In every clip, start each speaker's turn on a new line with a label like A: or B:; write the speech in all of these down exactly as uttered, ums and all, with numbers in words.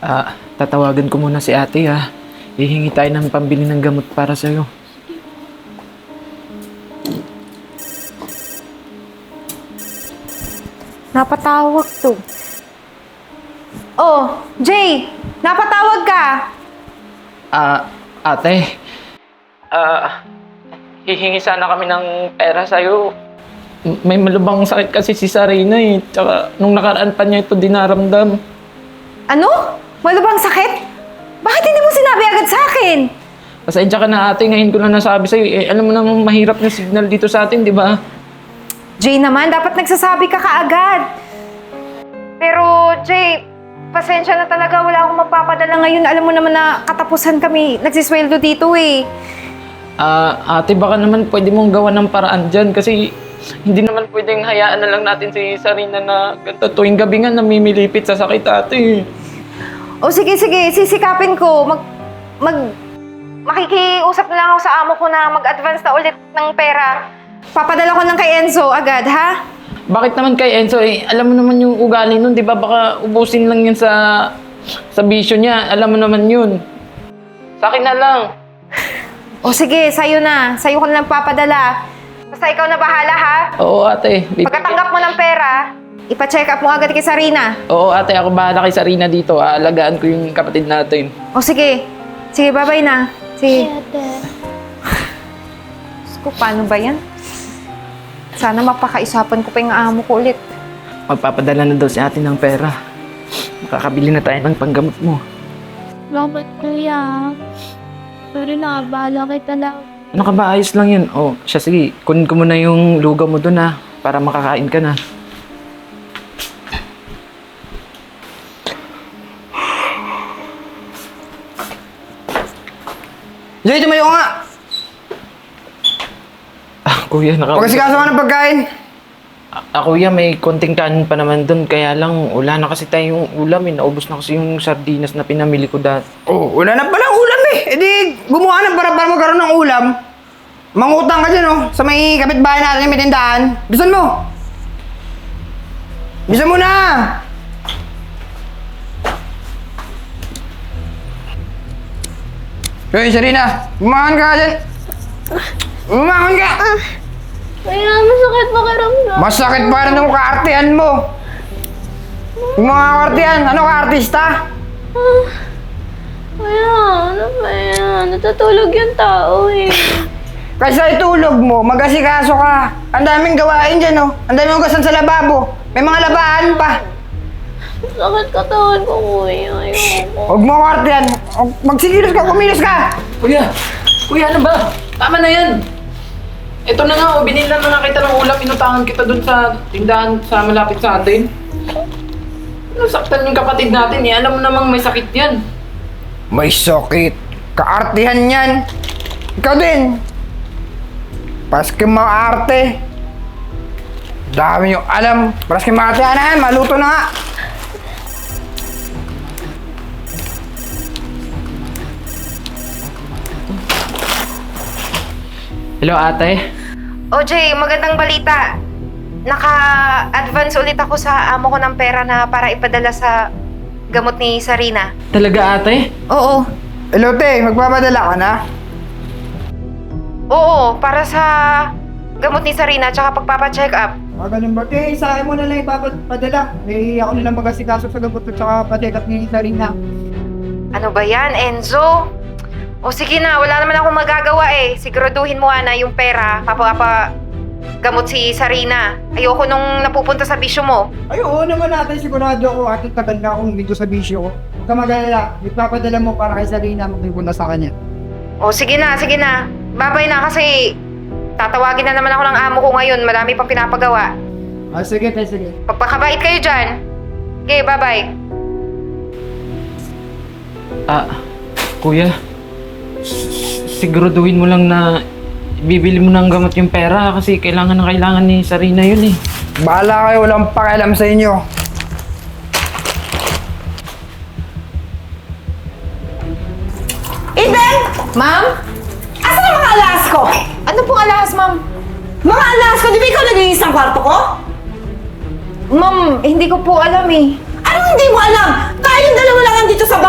A: Ah, tatawagan ko muna si ate ha. Hihingi tayo ng pambili ng gamot para sa'yo.
B: Napatawag to. Oh, Jay! Napatawag ka!
A: Ah, ate. Ah, hihingi sana kami ng pera sa'yo. M- May malubang sakit kasi si Sarina eh. Tsaka nung nakaraan pa niya ito dinaramdam.
B: Ano? Wala bang sakit? Bakit hindi mo sinabi agad sa akin?
A: Pasensya ka na ate, ngayon ko na nasabi sa'yo. Eh, alam mo naman mahirap na signal dito sa atin, di ba?
B: Jay naman, dapat nagsasabi ka kaagad. Pero, Jay, pasensya na talaga. Wala akong mapapadala ngayon. Alam mo naman na katapusan kami nagsisweldo dito eh.
A: Ah, ate, baka naman pwede mong gawa ng paraan dyan kasi hindi naman pwedeng hayaan na lang natin si Sarina na ganito tuwing gabi nga namimilipit sa sakit ate.
B: O sige, sige. Sisikapin ko. Mag... Mag... Makikiusap na lang ako sa amo ko na mag-advance na ulit ng pera. Papadala ko lang kay Enzo agad, ha?
A: Bakit naman kay Enzo eh? Alam mo naman yung ugali nun, di ba? Baka ubusin lang yun sa sa bisyo niya. Alam mo naman yun. Sa akin na lang.
B: O sige, sa'yo na. Sa'yo ko na lang papadala. Basta ikaw na bahala, ha?
A: Oo ate. Bib-
B: Pagkatanggap mo ng pera, ipa-check up mo agad kay Sarina.
A: Oo ate, ako bahala kay Sarina dito. Aalagaan ko yung kapatid natin.
B: O sige. Sige, bye-bye na. Sige. Diyos ko, paano ba yan? Sana mapakaisapan ko pa yung amo ko ulit.
A: Magpapadala na daw si ate ng pera. Makakabili na tayo ng panggamot mo.
C: Salamat, kuya. Pero nakabahala kita lang.
A: Ano ka ba? Ayos lang yun. Oh, siya sige. Kunin ko muna yung lugaw mo dun ha. Para makakain ka na.
D: Jay, tumayo ka nga!
A: Ah, kuya, naka...
D: Pagkasikaso ka ng pagkain!
A: Ah, kuya, may konting kanin pa naman dun. Kaya lang, wala na kasi tayong ulam eh. Naubos na kasi yung sardinas na pinamili ko dati.
D: Oh, wala na palang ulam eh! E di, gumawa ng para para magkaroon ng ulam. Mangutang ka dyan oh, sa may kapitbahay natin yung may tindahan. Bisan mo! Bisan mo na! Hoy, Sarina! Bumangon ka dyan! Bumangon ka!
C: Kuya, masakit pakiramdam.
D: Masakit pa rin yung kaartihan mo! Yung mga kaartihan, ano ka-artista?
C: Kuya, ano ba yan? Natutulog yung tao eh.
D: Kaysa itulog mo, mag-asikaso ka. Ang daming gawain dyan, oh. Ang daming ugasan sa lababo. May mga labaan pa.
C: Sakit katawan ko, kuya. Ayoko.
D: Huwag mo kartihan. Magsigilos ka, kumilos ka.
A: Kuya! Kuya, ano ba? Tama na yan! Ito na nga, oh, binilan na nga kita ng ulam. Inutangan kita dun sa tindahan sa malapit sa atin. Nasaktan yung kapatid natin eh. Alam mo namang may sakit yan.
D: May sakit. Kaartihan yan. Ikaw din. Paski mga arte. Dami yung alam. Paski mga arte na yan. Maluto na nga.
A: Hello, ate.
B: O Jay, magandang balita. Naka-advance ulit ako sa amo ko ng pera na para ipadala sa gamot ni Sarina.
A: Talaga, ate?
B: Oo.
D: Hello, te. Magpapadala ka na?
B: Oo, para sa gamot ni Sarina tsaka pagpapacheck up.
D: Ah, ganun ba? Te, sa akin mo na lang ipapadala. Eh, ako nilang mag-asikaso sa gamot at saka patikap ni Sarina.
B: Ano ba yan, Enzo? O sige na, wala naman akong magagawa eh. Siguraduhin mo na yung pera, papapa gamot si Sarina. Ayoko nung napupunta sa bisyo mo.
D: Ay, oo naman natin. Sigurado ako at tagal na akong dito sa bisyo ko. Huwag ka mag-alala. Ipapadala mo para kay Sarina magpupunta sa kanya.
B: O sige na, sige na. Babay na kasi tatawagin na naman ako ng amo ko ngayon. Marami pang pinapagawa.
D: Ah, sige, te, sige.
B: Pagpakabait kayo dyan. Okay, bye-bye.
A: Ah, kuya. s- Siguraduhin mo lang na bibili mo ng gamot yung pera kasi kailangan na kailangan ni Sarina yun eh.
D: Bahala kayo. Walang pakialam sa inyo.
B: Eden! Ma'am? Asan ang mga alas ko? Ano pong alas, ma'am? Mga alas ko? Di ba ikaw naglinis ng kwarto ko? Ma'am, hindi ko po alam eh.
E: Anong hindi mo alam? Tayong dalawa lang nandito sa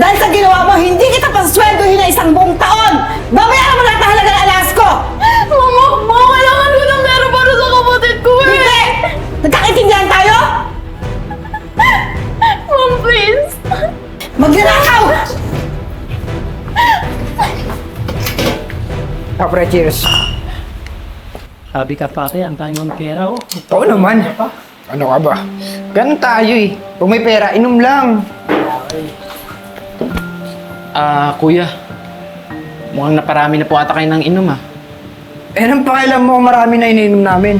E: Dahil sa ginawa mo, hindi kita pasaswendohin na isang buong taon! Babayaran mo lahat ng halaga ng alas ko!
C: Mama, mama, kailangan ko ng pera para sa kapatid ko eh!
E: Hindi! Nagkakaintindihan tayo?
C: Mom, please!
E: Magnanakaw!
D: Ah, pre, cheers.
F: Sabi ka pare, ang tayo ng pera oh.
D: Oo naman. Ano ka ba? Ganun tayo eh. Kung may pera, inom lang.
A: Ah, kuya. Mukhang naparami na po ata kayo ng inom ah.
D: Eh, anong pakialam mo kung marami na ininom namin?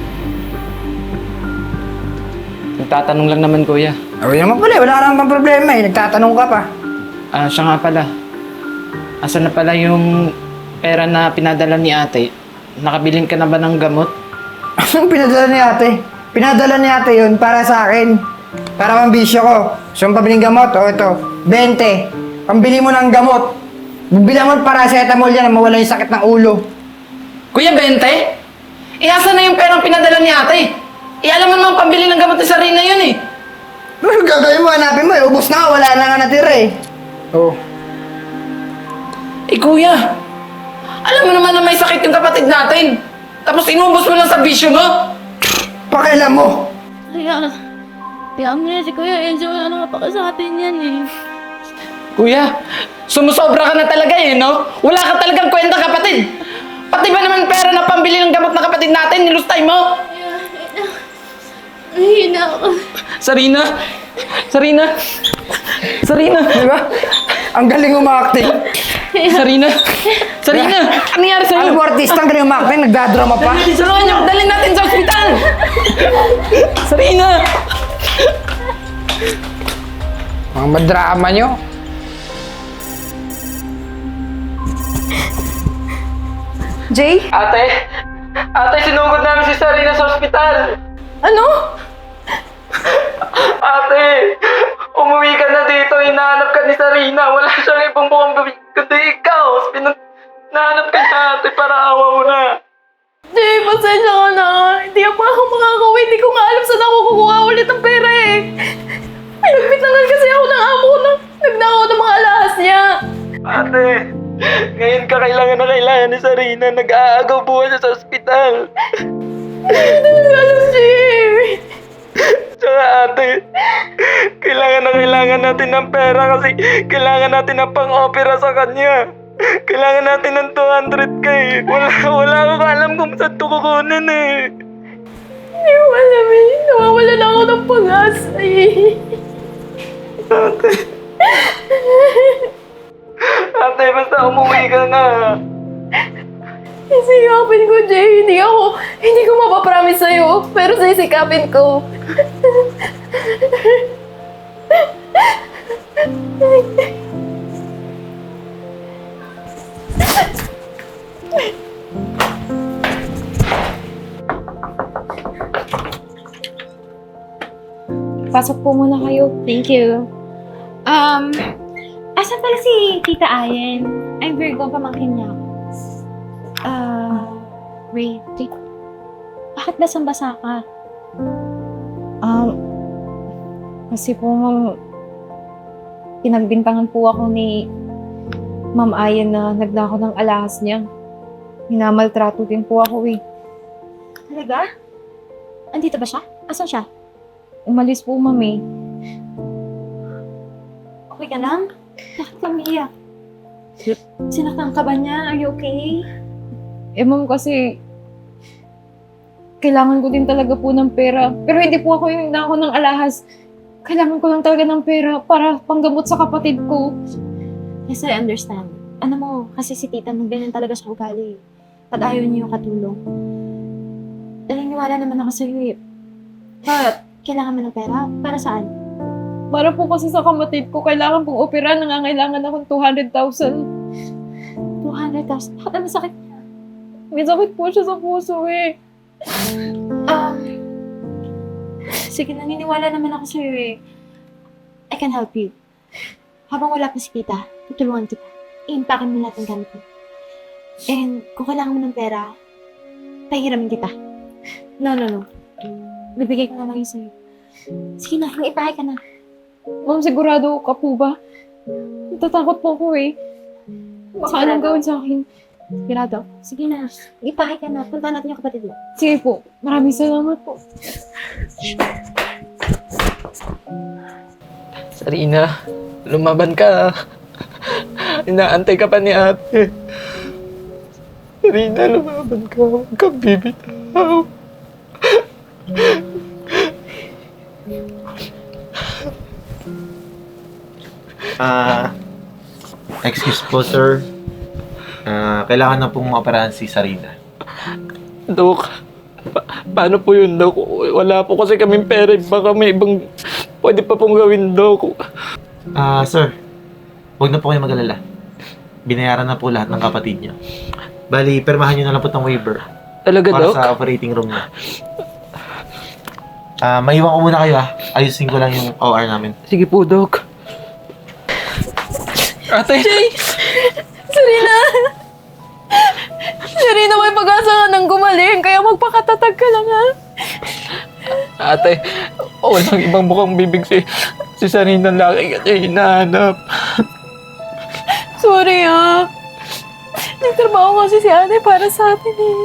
A: Nagtatanong lang naman kuya.
D: Ah, wala naman pala, eh. wala naman problema eh. Nagtatanong ka pa.
A: Ah, siya nga pala. Asan na pala yung pera na pinadala ni ate? Nakabilin ka na ba ng gamot?
D: Anong pinadala ni ate? Pinadala ni ate yun para sa akin. Para pambisyo ko. So, yung pabiling gamot, o ito, twenty. Pambili mo ng gamot. Bibili mo ng paracetamol yan na mawala yung sakit ng ulo.
A: Kuya, bente? Eh, asan na yung perang pinadala ni ate? Eh, alam mo naman pambili ng gamot ni Sarina yun eh.
D: Ano gagawin mo? Hanapin mo eh. Ubus na, wala na nga natira eh. Oh.
A: Eh, kuya. Alam mo naman na may sakit yung kapatid natin. Tapos inubos mo lang sa bisyo mo.
D: Pakialam mo.
C: Kaya, kaya ang si Kuya Enzo, wala na nga pa sa atin yan eh.
A: Kuya, sumusobra ka na talaga eh, no? Wala ka talagang kwenta, kapatid. Pati ba naman pera na pambili ng gamot na kapatid natin, nilustay mo?
C: Nahihina ako.
A: Sarina! Sarina! Sarina!
D: Di ba? Ang galing umakting.
A: Sarina! Sarina! Ano nangyari sa'yo?
D: Alam mo, artista, ang galing umakting. Nagdadrama pa.
A: Tulungan niyo! Dalhin natin sa ospital! Sarina!
D: Mga madrama nyo.
B: Jay?
A: Ate! Ate, sinugod namin si Sarina sa ospital!
B: Ano?
A: Ate! Umuwi ka na dito, hinahanap ka ni Sarina. Wala siyang ibang mukhang babi, kundi ikaw. Pinag... Nahanap ka niya, ate, para awa mo na.
C: Jay, pasensya ka na. Hindi ako ako makakauwi. Hindi ko nga alam saan ako kukuha ulit ng pera eh. Pinagbitangan kasi ako ng amo ko na nagnakaw ng mga alahas niya.
A: Ate, ngayon ka kailangan na kailangan ni Sarina. Nag-aagaw buhay siya sa ospital.
C: Hindi ko alam, Jay.
A: Tsaka ate, kailangan na kailangan natin ng pera kasi kailangan natin ng pang-opera sa kanya. Kailangan natin ng two hundred k. Wala, wala akong alam kung saan ito kukunin eh.
C: Hindi ko alam eh. Nawawala na ako ng pag-asa eh.
A: Ate. Ate, basta umuwi ka na.
C: Sisikapin ko, Jay. Hindi ako, hindi ko mapapromise sa'yo. Pero sisikapin ko.
G: Pasok po muna kayo.
C: Thank you.
G: Um, asan pala si Tita Ayen? I'm Virgo, pamangkin niya. Ah, wait. wait. Bakit basang-basa ka?
B: Um, kasi po, ma'am, pinagbintangan po ako ni Ma'am Ayan na nagnakaw ng alahas niya. Minamaltrato din po ako eh.
G: Talaga? Andito ba siya? Asan siya?
B: Umalis po, ma'am eh.
G: Okay ka lang? Bakit ka umiiyak? Sinaktan ka ba niya? Are you okay?
B: Eh, ma'am, kasi kailangan ko din talaga po ng pera. Pero hindi po ako yung nagnakaw ng alahas. Kailangan ko lang talaga ng pera para panggamot sa kapatid ko.
G: Yes, I understand. Ano mo, kasi si tita nung ganyan talaga siya ugali. Pag ayaw niyo yung katulong. Naniniwala naman ako sa'yo eh. But, kailangan mo ng pera? Para saan?
B: Para po kasi sa kapatid ko, kailangan pong opera. Nangangailangan akong two hundred thousand.
G: two hundred thousand? Bakit ano sakit niya?
B: May sakit po siya sa puso eh.
G: Um, sige, naniniwala naman ako sa'yo eh. I can help you. Habang wala pa si tita, tutulungan kita. I-impackin mo lahat ng gamit mo. And kung kailangan mo ng pera, pahiramin kita. No, no, no. Bibigay ko na lang yun sa'yo. Sige na, mag-ipake ka na.
B: Ma'am, sigurado ka po ba?
C: Natatakot po ako eh. Baka anong gawin sa akin. Sigurado.
G: Sige na. Ipakay ka na. Punta natin yung kapatid mo.
C: Sige po. Maraming salamat po.
A: Sarina, lumaban ka. Inaantay ka pa ni ate. Sarina, lumaban ka. Huwag kang bibitaw.
H: Ah, excuse po, sir. Ah, kailangan na pong maoperahan si Sarina.
A: Dok, pa- paano po yun, Dok? Wala po kasi kaming pera. Baka may ibang pwede pa pong gawin, Dok.
H: Ah, sir. Huwag na po kayo mag-alala. Binayaran na po lahat ng kapatid niya. Bali, permahan niyo na lang po itong waiver
A: Talaga,
H: para
A: Dok?
H: sa operating room niya. Ah, maiwan ko muna kayo, ah. Ayusin ko lang yung O R namin.
A: Sige po, Dok. Ate!
C: Serena! Serena, may pag-asa ka nang gumaling, kaya magpakatatag ka lang ha.
A: Ate, walang ibang mukhang bibig si, si Sarina. Laki ka niya hinahanap.
C: Sorry ah. Nagtrabaho kasi si ate para sa atin eh.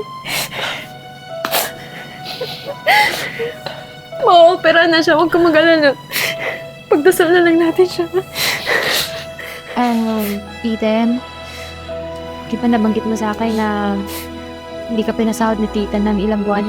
C: Ma-opera na siya, huwag ka mag-alala. Pagdasal na lang natin siya.
G: Um, Ethan, di ba nabanggit mo sa akin na hindi ka pinasahod ni tita ng ilang buwan?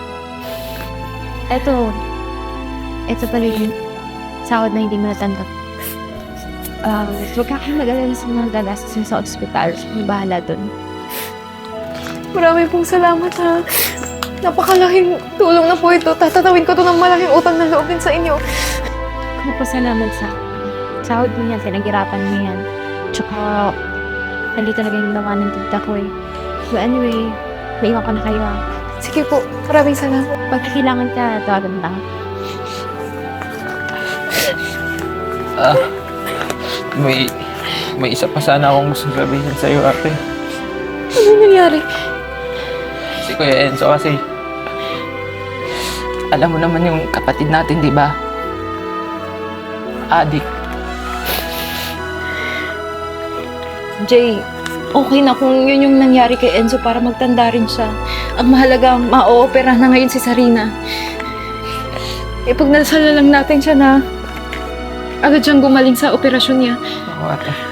G: Eto, eto pala yung sahod na hindi mo natanggap. Um, huwag ka kayo mag-alala sa mga gagastos sa ospital. May bahala dun.
C: Maraming pong salamat ha. Napakalaking tulong na po ito. Tatatawin ko to ng malaking utang na loob din sa inyo.
G: Magpasalamat sa sahod mo yan, pinaghirapan mo yan. Tsaka, hindi talaga yung ginawa ng tita ko eh. So anyway, maiwan ko na kayo ah.
C: Sige po, maraming salamat.
G: Pag kailangan ka, tawagan lang.
A: Ah, may, may isa pa sana akong gusto sabihin sa'yo, ate.
C: Ano nangyari?
A: Si Kuya Enzo kasi, alam mo naman yung kapatid natin, di ba? Adik.
C: Jay, okay na kung yun yung nangyari kay Enzo para magtanda rin siya. Ang mahalaga, ma-oopera na ngayon si Sarina. Ipagdasal na lang natin siya na agad siyang gumaling sa operasyon niya.
A: Oo, ate.